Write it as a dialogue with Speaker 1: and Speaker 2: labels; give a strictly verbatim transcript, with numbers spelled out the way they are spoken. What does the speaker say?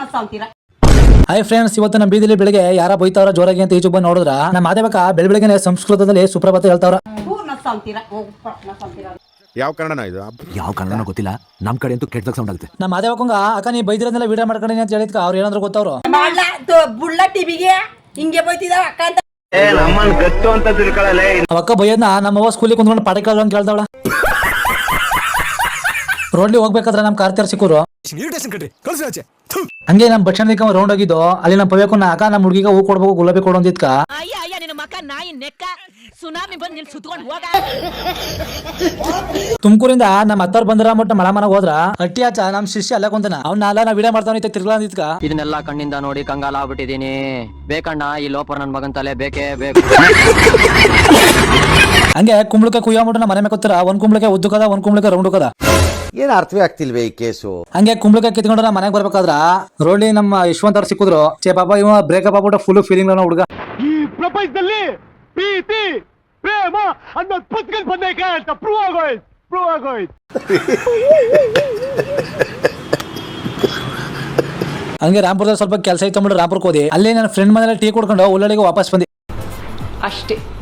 Speaker 1: Hi friends, ಇವತ್ತು ನಮ್ಮ ಬೀದಿಲಿ ಬೆಳಿಗ್ಗೆ ಯಾರ ಬೈತಾವ್ರ ಜೋರಾಗಿ ಅಂತ ಈಚು ಬಂದು ನೋಡಿದ್ರ ನಮ್ಮ ಮಾದೇವಕ ಬೆಳ ಬೆಳಗ್ಗೆ ಸಂಸ್ಕೃತದಲ್ಲಿ ಸುಪ್ರಭಾತ ಹೇಳ್ತಾವ್ರ.
Speaker 2: ಯಾವ ಕನ್ನಡನ ಇದು?
Speaker 3: ಯಾವ ಕನ್ನಡನೋ ಗೊತ್ತಿಲ್ಲ, ನಮ್ ಕಡೆ ಅಂತೂ ಕೆಟ್ಟದಾಗ ಸೌಂಡ್ ಆಗುತ್ತೆ.
Speaker 1: ನಮ್ಮ ಮಾದೇವಕ್ಕಂಗ ಅಕ್ಕ ನೀ ಬೈದಿರೋದೆಲ್ಲ ವಿಡಿಯೋ ಮಾಡ್ಕೊಂಡಿ ಅಂತ ಹೇಳಿದ್ಕ ಅವ್ರು ಏನಂದ್ರು ಗೊತ್ತವ್ರು
Speaker 4: ಬುಳ್ಳ ಟಿವಿಗೆ ಹಿಂಗೆ ಬೈತಿದಾವ ಅಕ್ಕ ಅಂತ.
Speaker 1: ಅವಕ್ಕ ಬೈಯದ್ನ ನಮ್ಮವ್ವ ಸ್ಕೂಲಿಗೆ ಕುಂತ್ಕೊಂಡು ಪಾಠ ಕೇಳ ಅಂತ ಕೇಳ್ತಾವಳ. ರೋಡ್ಲಿ ಹೋಗ್ಬೇಕಾದ್ರೆ ನಮ್ ಕಾರ್ತಿಯರ್ ಸಿಕ್ಕರು. ಹಂಗೆ ನಮ್ ಬಸ್ ಸ್ಟ್ಯಾಂಡ್ ರೌಂಡ್ ಆಗಿದ್ದು ಅಲ್ಲಿ ನಮ್ ಪವ್ಯಕ್ಕನ್ನ ಅಕ್ಕ ನಮ್ಮ ಹುಡುಗಿಗ ಹೂ ಕೊಡ್ಬೇಕು ಗುಲಾಬಿ ಕೊಡು ಅಂದಿದ್ಕ ತುಮಕೂರಿಂದ ನಮ್ಮ ಅತ್ತವ್ರು ಬಂದ್ರ ಮಟ್ಟ ಮಳ ಮನೆಗೆ ಹೋದ್ರ ಅಟ್ಟಿ ಆಚ ನಮ್ ಶಿಷ್ಯ ಅಲ್ಲ ಕುಂತಾನ ಅವ್ನ ಅಲ್ಲ ನಾ ವಿಡಿಯೋ ಮಾಡ್ತಾವ ತಿರ್ಗಾ ಅಂದಿದ್ಕ
Speaker 5: ಇದನ್ನೆಲ್ಲ ಕಣ್ಣಿಂದ ನೋಡಿ ಕಂಗಾಲ ಆಗ್ಬಿಟ್ಟಿದೀನಿ. ಬೇಕಣ್ಣ ಈ ಲೋಪರ್ ನನ್ ಮಗನ್ ತಲೆ ಬೇಕೇ ಬೇಕು.
Speaker 1: ಹಂಗೆ ಕುಂಬಳಕ ಕುಯ್ಯ ಮುಟ್ಟ ಮನೆ ಮೇಲೆ ಕೂತಾರ. ಒಂದ್ ಕುಂಬಳಕ ಉದ್ದಕದ ಒಂದ್ ಕುಂಬಳಕ ರೌಂಡ್ ಕದ.
Speaker 2: ಏನ್ ಅರ್ಥವೇ ಆಗ್ತಿಲ್ವೇ ಈ ಕೇಸು?
Speaker 1: ಹಂಗೆ ಕುಂಬಳಕ ಕಿತ್ಕೊಂಡ್ರ ನಾ ಮನೆಗೆ ಬರ್ಬೇಕಾದ್ರ ರೋಡ್ಲಿ ನಮ್ಮ ಯಶವಂತ ಅವ್ರು ಸಿಕ್ಕಿದ್ರು. ಚೇ ಪಾಪ ಇವ ಬ್ರೇಕಪ್ ಆಗ್ಬಿಟ್ಟು ಫುಲ್ ಫೀಲಿಂಗ್ ಹುಡುಗ.
Speaker 6: ಈ ಪ್ರಪಂಚದಲ್ಲಿ ಪ್ರೀತಿ ಪ್ರೇಮ ಅನ್ನೋದು ಪುಸ್ತಕ ಬಂದೈತೆ ಅಂತ ಪ್ರೂವ್ ಆಗೋಯ್ತು ಪ್ರೂವ್ ಆಗೋಯ್ತು
Speaker 1: ಹಂಗೆ ರಾಂಪುರದಲ್ಲಿ ಸ್ವಲ್ಪ ಕೆಲಸ ಇತ್ತು ಅಂದ್ಬಿಟ್ಟು ರಾಂಪುರಕ್ಕೆ ಹೋದಿ. ಅಲ್ಲಿ ನನ್ನ ಫ್ರೆಂಡ್ ಮನೇಲಿ ಟೀ ಕುಡ್ಕೊಂಡು ಉಳ್ಳಳಿಗೆ ವಾಪಸ್ ಬಂದಿ
Speaker 4: ಅಷ್ಟೇ.